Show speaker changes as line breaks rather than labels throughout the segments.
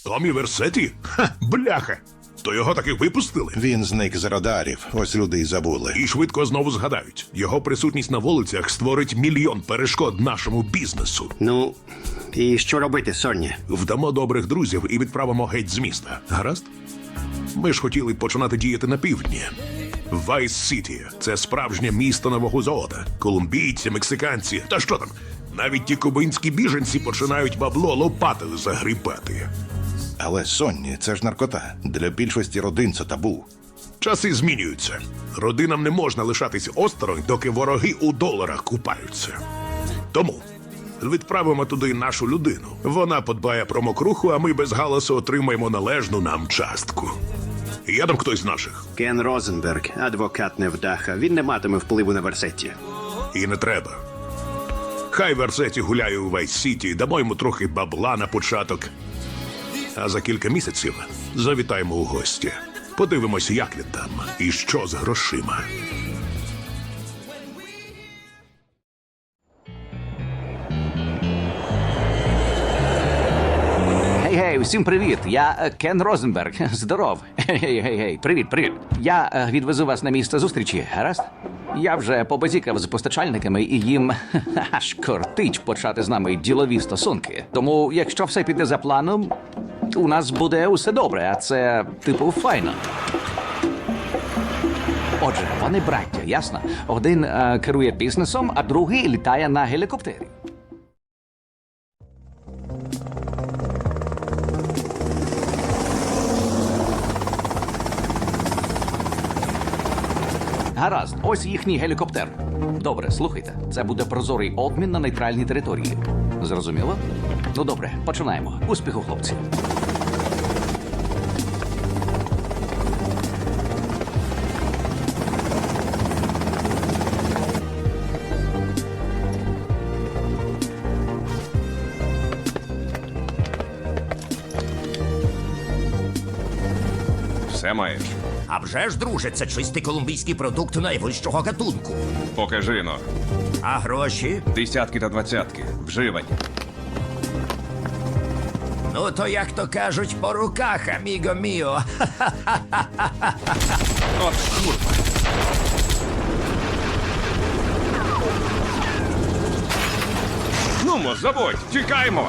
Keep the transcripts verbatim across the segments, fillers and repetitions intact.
Томі Версеті? Ха, бляха! То його таки випустили?
Він зник з радарів, ось люди й забули.
І швидко знову згадають. Його присутність на вулицях створить мільйон перешкод нашому бізнесу.
Ну, і що робити, Сонні?
Вдамо добрих друзів і відправимо геть з міста. Гаразд? Ми ж хотіли починати діяти на півдні. Вайс-Сіті – це справжнє місто нового золота. Колумбійці, мексиканці, та що там? Навіть ті кубинські біженці починають бабло лопатою загрібати.
Але Сонні, це ж наркота. Для більшості родин це табу.
Часи змінюються. Родинам не можна лишатись осторонь, доки вороги у доларах купаються. Тому відправимо туди нашу людину. Вона подбає про мокруху, а ми без галасу отримаємо належну нам частку. Є там хтось з наших?
Кен Розенберг, адвокат невдаха. Він не матиме впливу на Версетті.
І не треба. Хай Версеті гуляє у Вайс-Сіті, дамо йому трохи бабла на початок. А за кілька місяців завітаємо у гості. Подивимося, як він там і що з грошима.
Гей-гей, всім привіт! Я е, Кен Розенберг. Здоров. Гей-гей-гей, привіт, привіт. Я е, відвезу вас на місце зустрічі, гаразд? Я вже побазікав з постачальниками і їм аж кортить почати з нами ділові стосунки. Тому, якщо все піде за планом, у нас буде усе добре, а це, типу, файно. Отже, вони браття, ясно? Один е, керує бізнесом, а другий літає на гелікоптері. Гаразд, ось їхній гелікоптер. Добре, слухайте. Це буде прозорий обмін на нейтральній території. Зрозуміло? Ну добре, починаємо. Успіху, хлопці.
Все маєш.
А вже ж, друже, це чистий колумбійський продукт найвищого гатунку.
Покажи но.
А гроші?
Десятки та двадцятки. Вживані.
Ну, то, як то кажуть, по руках, аміго міо.
От курва. Нумо, забудь, тікаймо.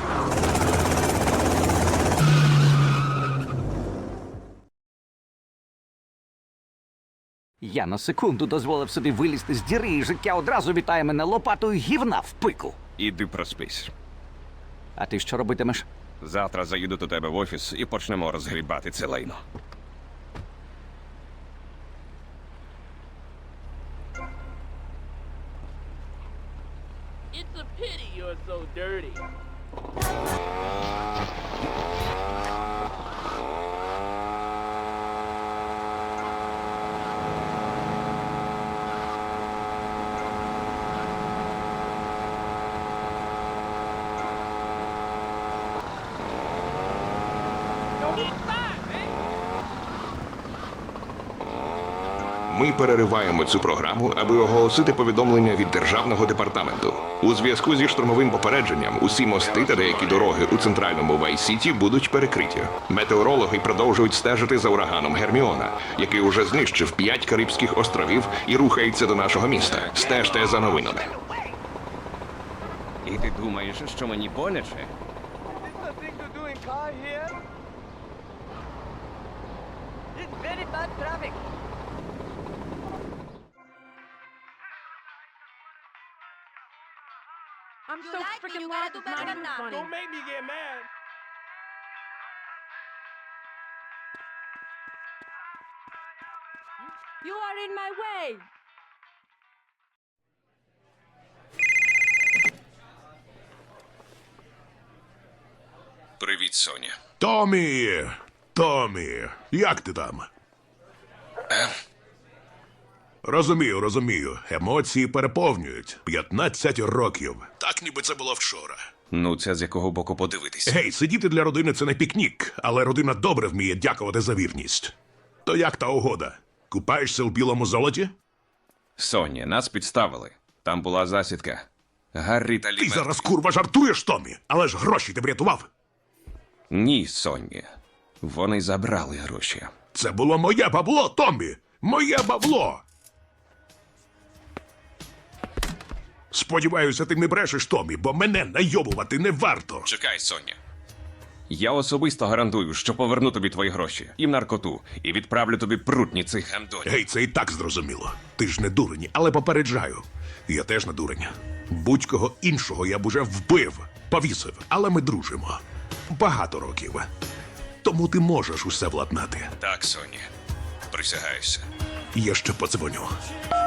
Я на секунду дозволив собі вилізти з діри, і життя одразу вітає мене лопатою гівна в пику.
Іди проспись.
А ти що робитимеш?
Завтра заїду до тебе в офіс і почнемо розгрібати це лайно.
It's a pity you're so dirty. Don't get fired, man.
Ми перериваємо цю програму, аби оголосити повідомлення від Державного департаменту. У зв'язку зі штурмовим попередженням усі мости та деякі дороги у центральному Вайс-Сіті будуть перекриті. Метеорологи продовжують стежити за ураганом Герміона, який уже знищив п'ять Карибських островів і рухається до нашого міста. Стежте за новинами.
І ти думаєш, що мені боляче?
This nothing to do in car here. It's very bad traffic.
I'm so freaking loud, it's not even funny.
Don't make me get mad.
You are in my way.
Привіт, Соня.
Томі! Томі! Як ти там? Розумію, розумію. Емоції переповнюють. п'ятнадцять років. Так, ніби це було вчора.
Ну, це з якого боку подивитись.
Гей, сидіти для родини – це не пікнік, але родина добре вміє дякувати за вірність. То як та угода? Купаєшся в білому золоті?
Соня, нас підставили. Там була засідка. Гаррі та
Ти
Лі.
зараз, курва, жартуєш, Томі? Але ж гроші ти врятував.
Ні, Сонні. Вони забрали гроші.
Це було моє бабло, Томмі! Моє бабло! Сподіваюся, ти не брешеш, Томмі, бо мене найобувати не варто.
Чекай, Соння. Я особисто гарантую, що поверну тобі твої гроші і в наркоту, і відправлю тобі прутні цих гандонів.
Гей, це і так зрозуміло. Ти ж не дурень, але попереджаю. Я теж не дурень. Будь-кого іншого я б уже вбив, повісив, але ми дружимо. Багато років. Тому ти можеш усе владнати.
Так, Сонні. Присягаюся.
Я ще подзвоню.